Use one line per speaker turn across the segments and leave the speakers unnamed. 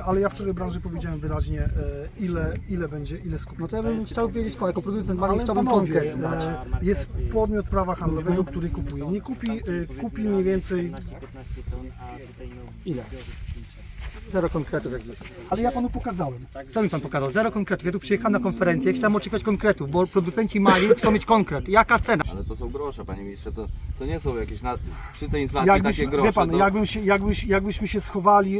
ale ja wczoraj branży powiedziałem wyraźnie, ile skupu.
No to ja bym chciał wiedzieć, jako producent malin
Ale
chciałbym
panowie,
konkret znać.
jest podmiot prawa handlowego, który kupuje. Nie kupi mniej więcej.
Ile? Zero konkretów jak zwykle.
Ale ja panu pokazałem.
Co mi pan pokazał? Zero konkretów. Ja tu przyjechałem na konferencję, chciałem oczekiwać konkretów, bo producenci malin chcą mieć konkret. Jaka cena?
Ale to są grosze, panie ministrze, to nie są jakieś, przy tej inflacji takie grosze.
Wie pan,
to...
jakbyśmy się schowali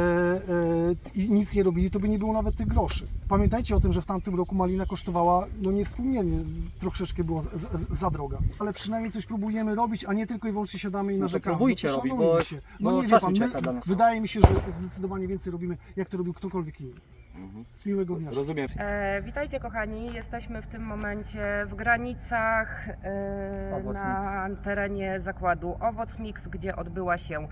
i nic nie robili, to by nie było nawet tych groszy. Pamiętajcie o tym, że w tamtym roku malina kosztowała, no niewspółmiernie, troszeczkę była za droga. Ale przynajmniej coś próbujemy robić, a nie tylko i wyłącznie siadamy i narzekamy.
próbujcie
No to
robić,
szanujmy
bo-
się.
bo
No nie wie
czas
pan,
ucieka dla nas.
wydaje mi się, że zdecydowanie więcej robimy, jak to robił ktokolwiek inny. Miłego dnia.
Rozumiem.
Witajcie kochani, jesteśmy w tym momencie w granicach
Owoc
na terenie zakładu Owoc Mix, gdzie odbyła się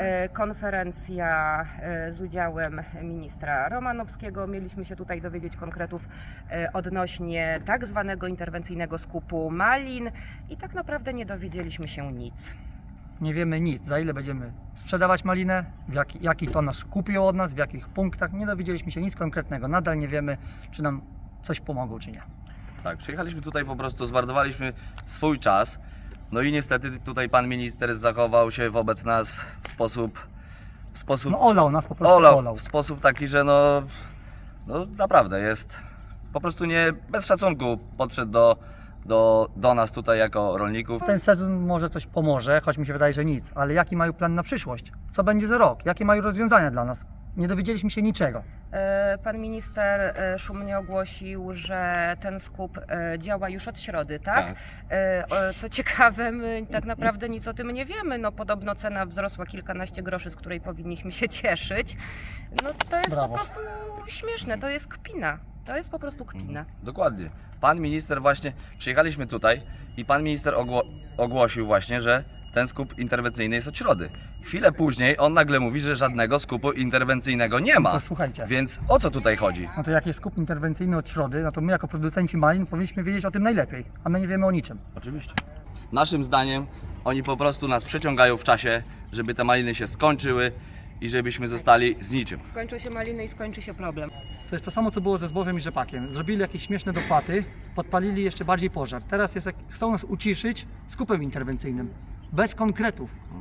konferencja z udziałem ministra Romanowskiego. Mieliśmy się tutaj dowiedzieć konkretów odnośnie tak zwanego interwencyjnego skupu malin i tak naprawdę nie dowiedzieliśmy się nic.
Nie wiemy nic, za ile będziemy sprzedawać malinę, jaki tonaż kupią od nas, w jakich punktach. Nie dowiedzieliśmy się nic konkretnego. Nadal nie wiemy, czy nam coś pomogą, czy nie.
Tak, przyjechaliśmy tutaj po prostu, zmarnowaliśmy swój czas. No i niestety tutaj pan minister zachował się wobec nas w sposób
No olał nas po prostu, olał.
w sposób taki, że no naprawdę jest po prostu nie bez szacunku podszedł do nas tutaj jako rolników.
Ten sezon może coś pomoże, choć mi się wydaje, że nic. Ale jaki mają plan na przyszłość? Co będzie za rok? Jakie mają rozwiązania dla nas? Nie dowiedzieliśmy się niczego.
Pan minister szumnie ogłosił, że ten skup działa już od środy, tak?
Tak.
Co ciekawe, my tak naprawdę nic o tym nie wiemy. No podobno cena wzrosła kilkanaście groszy, z której powinniśmy się cieszyć. No to jest
Brawo.
po prostu śmieszne, to jest kpina. To jest po prostu kpina.
Dokładnie. Pan minister właśnie, przyjechaliśmy tutaj i pan minister ogłosił właśnie, że ten skup interwencyjny jest od środy. Chwilę później on nagle mówi, że żadnego skupu interwencyjnego nie ma.
To słuchajcie,
Więc o co tutaj chodzi?
no to jak jest skup interwencyjny od środy, no to my jako producenci malin powinniśmy wiedzieć o tym najlepiej, a my nie wiemy o niczym.
Oczywiście. Naszym zdaniem oni po prostu nas przeciągają w czasie, żeby te maliny się skończyły i żebyśmy zostali z niczym.
Skończą się maliny i skończy się problem.
To jest to samo, co było ze zbożem i rzepakiem. Zrobili jakieś śmieszne dopłaty, podpalili jeszcze bardziej pożar. Teraz chcą nas uciszyć skupem interwencyjnym. Bez konkretów.